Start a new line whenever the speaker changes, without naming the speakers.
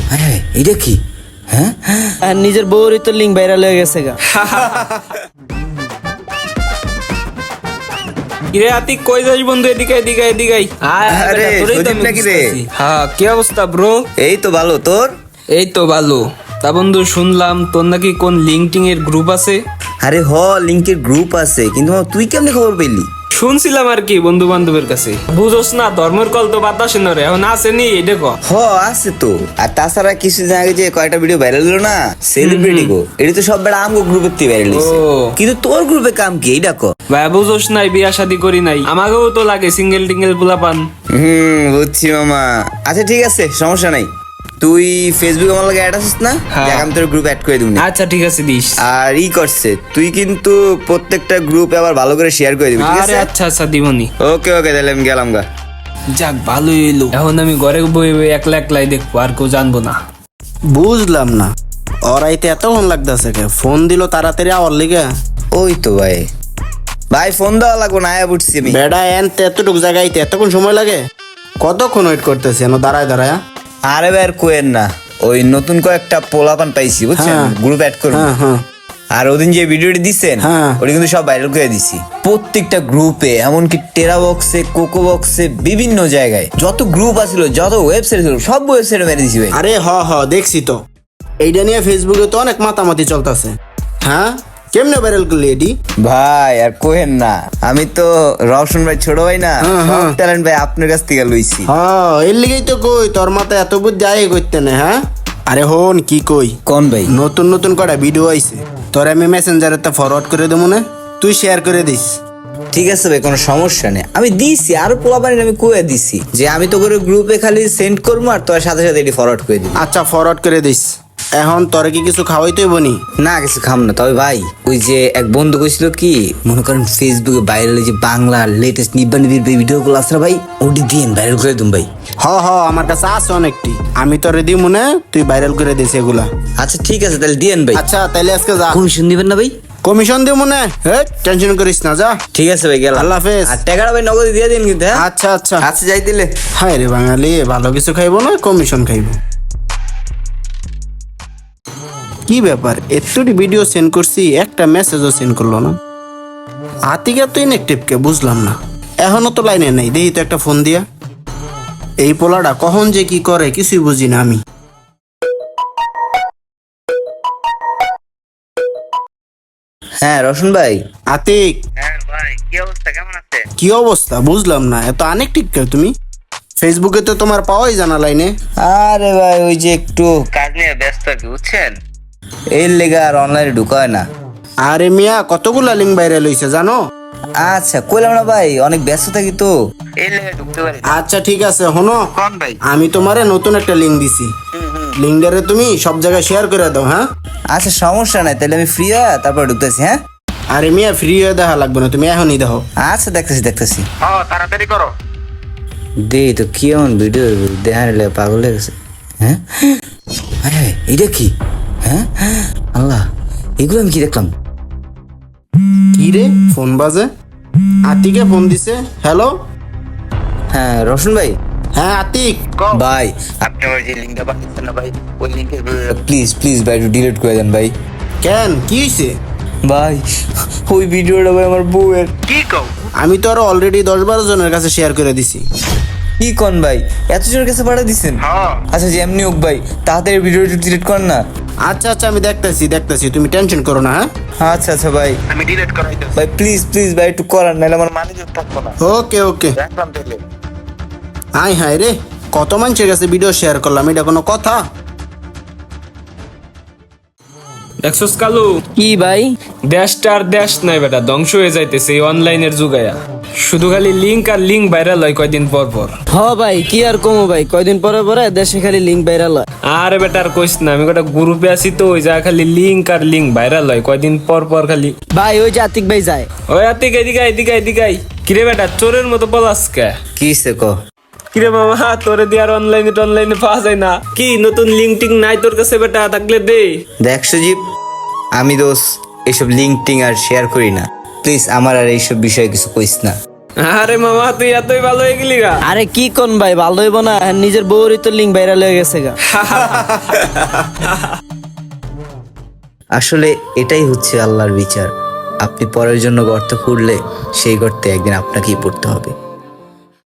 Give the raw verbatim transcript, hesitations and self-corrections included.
আরে এটা কি? হ্যাঁ,
আর নিজের বউরই তো লিঙ্ক ভাইরাল হয়ে গেছে গা।
কিরে আতিক কই যাস বন্ধু? এদিকে এদিকে এদিকে আয়। আয়, আয়
আরে,
বেটা, তোরই তো
সজীব
আমি
নাকি রে?
খুঁজতাছি। হ্যাঁ, কি অবস্থা ব্রো?
এই তো ভালো। তোর?
এই তো ভালো। তা বন্ধু শুনলাম তোর নাকি কোন লিঙ্কটিং এর গ্রুপ আছে?
আরে হ, লিংকের গ্রুপ আছে, কিন্তু তুই কেমনে খবর পেলি?
শুনছিলাম আর কি বন্ধু বান্ধবের কাছে। বুঝোস না, ধর্মের কল তো বাতাসে নরে, এখন আসেনি এটা ক।
হ আছে তো। আর তাছাড়া কিছুদিন আগে যে কয়টা ভিডিও ভাইরাল হলো না, সেলিব্রিটি গো, এটা তো সব বেড়া আমগো গ্রুপের থেকে ভাইরাল হইছে।
ও।
কিন্তু তোর গ্রুপে কাম কি এইটা ক?
ভাই বুঝোস নাই, বিয়া শাদি করি নাই, আমাকেও তো লাগে সিঙ্গেল টিঙ্গেল পোলা পান।
হুম, বুঝছি মামা। আচ্ছা ঠিক আছে, সমস্যা নাই। তুই ফেসবুক আমার লাগে অ্যাড আছিস না?
হ্যাঁ।
দেখ আমি তোর গ্রুপ অ্যাড করে দিবনি।
আচ্ছা ঠিক আছে দিস।
আর ই করছে, তুই কিন্তু প্রত্যেকটা গ্রুপে আবার ভালো করে শেয়ার করে দিবি, ঠিক
আরে
আছে?
আচ্ছা আচ্ছা দিবনি।
ওকে ওকে, তাহলে আমি গেলাম গা।
যাক ভালোই এলো, এখন আমি ঘরে বই বই একলা একলাই দেখবো, আর কেউ জানবো না।
বুঝলাম না, ওরাইতে এতক্ষণ লাগতেছে কে? ফোন দিল তাড়াতাড়ি আওয়ার লিগে।
ওই তো ভাই। ভাই ফোন দেওয়া লাগবো না, আয়া বুঝছি আমি।
বেড়া এন এতটুকু জায়গাইতে এতক্ষণ সময় লাগে? কতক্ষণ ওয়েট করতেছি এন দাঁড়ায় দাঁড়ায়।
আরে ভাই আর কোয়েন না, ওই নতুন কয়েকটা পোলাপান পাইছি বুঝছেন,
হ্যাঁ।
গ্রুপ অ্যাড করবো।
হ্যাঁ হ্যাঁ
আর ওদিন যে ভিডিওটি দিচ্ছেন,
হ্যাঁ।
ওটা কিন্তু সব ভাইরাল করে দিছি প্রত্যেকটা গ্রুপে, এমনকি টেরা বক্সে, কোকো বক্সে, বিভিন্ন জায়গায় যত গ্রুপ আছিল, যত ওয়েবসাইট ছিল, সব ওয়েবসাইটে মেরে দিছি ভাই।
আরে হ হ দেখছি তো, এইটা নিয়ে ফেসবুকে তো অনেক মাতামাতি চলতেছে। হ্যাঁ, কেমনে ভাইরাল করলি এডি?
ভাই আর কোহেন না, আমি তো রওশন ভাই ছোট ভাই না,
হ্যাঁ, হ্যাঁ।
ট্যালেন্ট ভাই আপনার কাছ থেকে লইছি।
হ্যাঁ, এর লিগেই তো কই তোর মাথায় এত বুদ্ধি আয় করতে না। হ্যাঁ, আরে হন কি কই,
কোন ভাই?
নতুন নতুন কটা ভিডিও আইছে, তোর আমি মেসেঞ্জারে তা ফরওয়ার্ড করে দেবো না, তুই শেয়ার করে দিস।
ঠিক আছে ভাই, কোনো সমস্যা নেই, আমি দিছি। আরো পোলাপানির আমি কয়ে দিছি যে আমি তো করে গ্রুপে খালি সেন্ড করবো, আর তোর সাথে সাথে এটি ফরওয়ার্ড করে দিবি।
আচ্ছা ফরওয়ার্ড করে দিস। এখন তোরে কি কিছু খাওয়াইতে বনি?
না কিছু খাম না, তবে ভাই ওই যে এক বন্ধু কইছিল কি, মনে করেন ফেসবুকে ভাইরাল যে বাংলা লেটেস্ট নিব্বা নিবির ভিডিও গুলো আছে না ভাই, ওটি দিন ভাইরাল করে দিন ভাই।
হ হ আমার কাছে আছে অনেকটি, আমি তোরে দিব মনে, তুই ভাইরাল করে দিস এগুলা।
আচ্ছা ঠিক আছে, তাহলে দিয়েন ভাই।
আচ্ছা তাইলে আজকে যা,
কমিশন দিবেন না ভাই?
কমিশন দিব মনে, হ্যাঁ টেনশন করিস না, যা।
ঠিক আছে ভাই, গেলাম।
আল্লাহ হাফেজ।
আর টাকাটা ভাই নগদ দিয়ে দিন কিন্তু, হ্যাঁ?
আচ্ছা আচ্ছা
আচ্ছা যাই দিলে।
হায় রে বাঙালি, ভালো কিছু খাইবো না কমিশন খাইবো। কি ব্যাপার, এতটি ভিডিও সেন্ড করছি, একটা মেসেজও সেন্ড করলো না। আতিকা তো ইনএক্টিভ কে বুঝলাম না, এখনো তো লাইনে নেই। দেখি তো একটা ফোন দিয়া, এই পোলাটা কখন যে কি করে কিছুই বুঝি না আমি।
হ্যাঁ রোশন ভাই।
আতিক,
হ্যাঁ ভাই, কি অবস্থা, কেমন আছে?
কি অবস্থা বুঝলাম না, এত আনেকটিভ কে তুমি? ফেসবুকে তো তোমার পাওয়াই জানা লাইনে।
আরে ভাই ওই যে একটু কাজ নিয়ে ব্যস্ত আর কি, বুঝছেন, এর লেগে আর অনলাইনে ঢুকা হয় না।
আরে মিয়া, কতগুলা লিঙ্ক ভাইরাল হইছে জানো?
আচ্ছা কইলাম না ভাই, অনেক ব্যস্ত থাকি তো, এর লেগে ঢুকতে পারি না।
আচ্ছা ঠিক আছে, হনো
কোন ভাই?
আমি তোমারে নতুন একটা লিঙ্ক দিছি, লিঙ্কটারে তুমি সব জায়গায় শেয়ার করে দাও। হ্যাঁ
আচ্ছা সমস্যা নাই, তাহলে আমি ফ্রি হয়ে তারপর ঢুকতেছি। হ্যাঁ
আরে মিয়া, ফ্রি হয়ে দেখা লাগবে না, তুমি এখনই দেখো।
আচ্ছা দেখতেছি দেখতেছি।
তাড়াতাড়ি করো।
দে তো কি এমন ভিডিও দেখার লেগে পাগল হয়ে গেছে। হ্যাঁ আরে এটা কি? হ্যাঁ আল্লাহ, এগুলো আমি কি দেখলাম?
কি রে, ফোন বাজে, আতিকে ফোন দিছে। হ্যালো,
হ্যাঁ রোশন ভাই।
হ্যাঁ আতিক।
ভাই আপনি আমার যে লিঙ্কটা পাঠিয়েছেন না ভাই, ওই লিঙ্কের প্লিজ প্লিজ ভাই একটু ডিলিট করে দেন ভাই।
কেন, কি হয়েছে?
ভাই ওই ভিডিওটা ভাই আমার বউয়ের।
কি কও? আমি তো আরো অলরেডি দশ বারো জনের কাছে শেয়ার করে দিছি।
কি কোন ভাই, এত জনের কাছে পাঠিয়ে দিচ্ছেন? আচ্ছা যে এমনি হোক ভাই, তাড়াতাড়ি ভিডিওটা ডিলিট করেন না।
আচ্ছা আচ্ছা আমি দেখতেছি দেখতেছি, তুমি টেনশন করো না। হ্যাঁ
আচ্ছা আচ্ছা ভাই,
আমি ডিলিট করাই দিচ্ছি।
ভাই প্লিজ প্লিজ ভাই একটু করান, নাহলে আমার ম্যানেজার থাকবো না।
ওকে ওকে,
রাখলাম তাহলে।
আয় হায় রে, কত মানুষের কাছে ভিডিও শেয়ার করলাম, এটা কোনো কথা?
দেখছস কালু,
কি ভাই?
দেশটা আর দেশ নাই বেটা, ধ্বংস হয়ে যাইতেছে এই অনলাইনের যুগায়া। শুধু খালি লিঙ্ক আর লিঙ্ক ভাইরাল হয় কয়দিন পর পর।
হ ভাই, কি আর কমো ভাই, কয়দিন পরে পরে দেশে খালি লিঙ্ক ভাইরাল হয়।
আরে বেটা আর কইস না, আমি গোটা গ্রুপে আছি তো, ওই যা খালি লিঙ্ক আর লিঙ্ক ভাইরাল হয় কয়দিন পর পর খালি।
ভাই ওই যে আতিক ভাই যায়।
ওই আতিক এদিকে আয়, এদিকে আয়, এদিকে আয়। কিরে বেটা চোরের মতো পলাস কে?
কি সে কো?
কিরে মামা, তোরে দিয়ে আর অনলাইনে অনলাইনে পাওয়া যায় না কি? নতুন লিঙ্ক টিঙ্ক নাই তোর কাছে বেটা? থাকলে দে।
দেখ সুজীব, আমি দোষ এইসব লিঙ্ক টিং আর শেয়ার করি না, প্লিজ আমার আর এইসব বিষয়ে কিছু কইস না।
আরে মামা তুই এতই ভালো হয়ে গেলি গা।
আরে কি কোন ভাই ভালো হইব না আর নিজের বউরই তো লিঙ্ক ভাইরাল হয়ে গেছে গা।
আসলে এটাই হচ্ছে আল্লাহর বিচার। আপনি পরের জন্য গর্ত খুঁড়লে সেই গর্তে একদিন আপনাকেই পড়তে হবে।